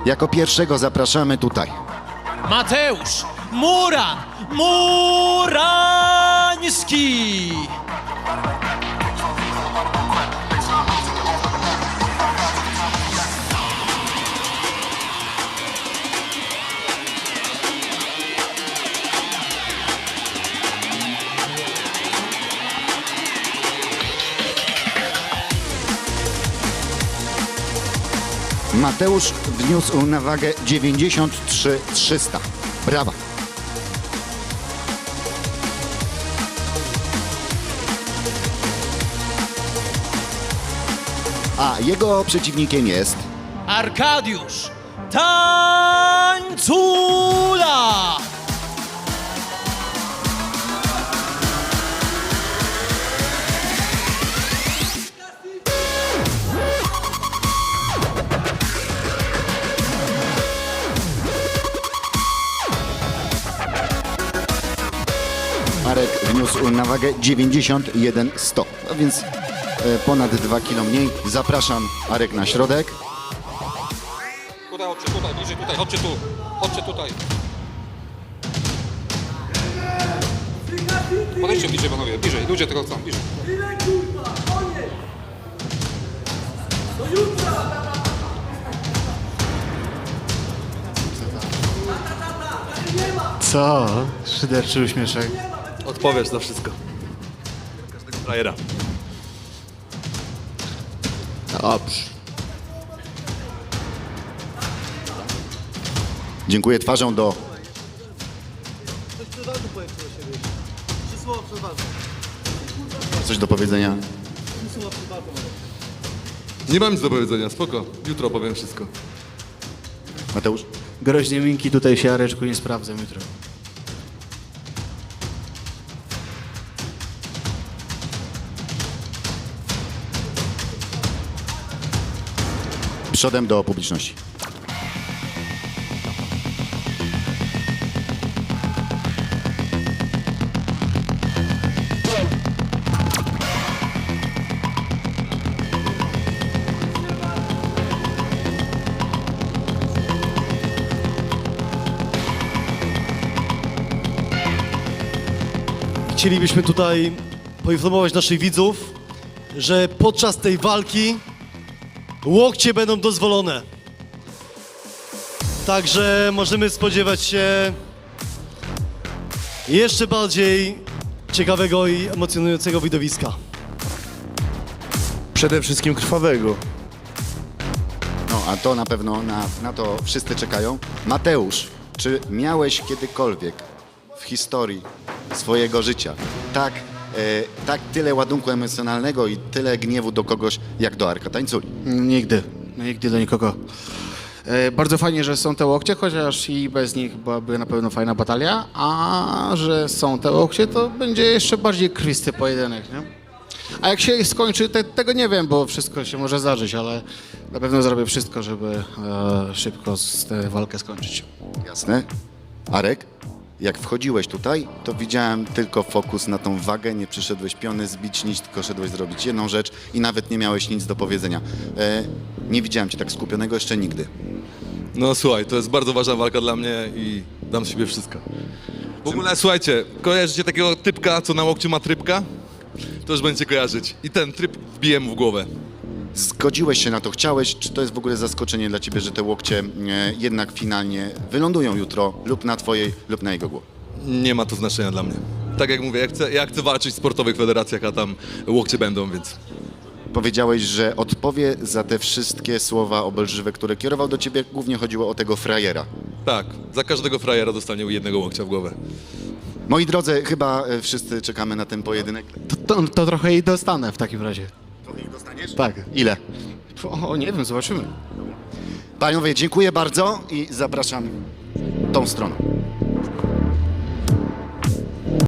Jako pierwszego zapraszamy tutaj. Mateusz Muran Murański. Mateusz wniósł na wagę 93 300. Brawa. A jego przeciwnikiem jest Arkadiusz Tańcula. Marek wniósł na wagę 91 100, a więc ponad 2 kg mniej. Zapraszam Arek na środek. Tutaj, chodźcie tutaj, bliżej tutaj, chodźcie tu. Chodźcie tutaj. Podejdźcie bliżej, panowie, bliżej. Ludzie tego chcą, bliżej. Co? Szyderczy uśmieszek. Odpowiesz za wszystko. Każdego frajera. Dobrze. Dziękuję twarzą do... Coś do powiedzenia? Nie mam nic do powiedzenia, spoko. Jutro powiem wszystko. Mateusz? Groźnie minki tutaj się, Areczku, nie sprawdzę jutro. Przodem do publiczności. Chcielibyśmy tutaj poinformować naszych widzów, że podczas tej walki łokcie będą dozwolone. Także możemy spodziewać się jeszcze bardziej ciekawego i emocjonującego widowiska. Przede wszystkim krwawego. No, a to na pewno, na to wszyscy czekają. Mateusz, czy miałeś kiedykolwiek w historii swojego życia tak tyle ładunku emocjonalnego i tyle gniewu do kogoś, jak do Arka Tańculi? Nigdy. Nigdy do nikogo. Bardzo fajnie, że są te łokcie, chociaż i bez nich byłaby na pewno fajna batalia, a że są te łokcie, to będzie jeszcze bardziej krwisty pojedynek, nie? A jak się skończy, tego nie wiem, bo wszystko się może zdarzyć, ale na pewno zrobię wszystko, żeby szybko tę walkę skończyć. Jasne. Arek, jak wchodziłeś tutaj, to widziałem tylko fokus na tą wagę, nie przyszedłeś piony zbić nic, tylko szedłeś zrobić jedną rzecz i nawet nie miałeś nic do powiedzenia. Nie widziałem cię tak skupionego jeszcze nigdy. No słuchaj, to jest bardzo ważna walka dla mnie i dam z siebie wszystko. W ogóle słuchajcie, kojarzycie takiego typka, co na łokciu ma trybka? To już będziecie kojarzyć. I ten tryb wbiję mu w głowę. Zgodziłeś się na to, chciałeś, czy to jest w ogóle zaskoczenie dla ciebie, że te łokcie jednak finalnie wylądują jutro lub na twojej, lub na jego głowie? Nie ma to znaczenia dla mnie. Tak jak mówię, ja chcę walczyć w sportowych federacjach, a tam łokcie będą, więc... Powiedziałeś, że odpowie za te wszystkie słowa obelżywe, które kierował do ciebie, głównie chodziło o tego frajera. Tak, za każdego frajera dostanie jednego łokcia w głowę. Moi drodzy, chyba wszyscy czekamy na ten pojedynek. To trochę i dostanę w takim razie. Trochę dostaniesz? Tak. Ile? O, nie wiem, zobaczymy. Panowie, dziękuję bardzo i zapraszam tą stroną.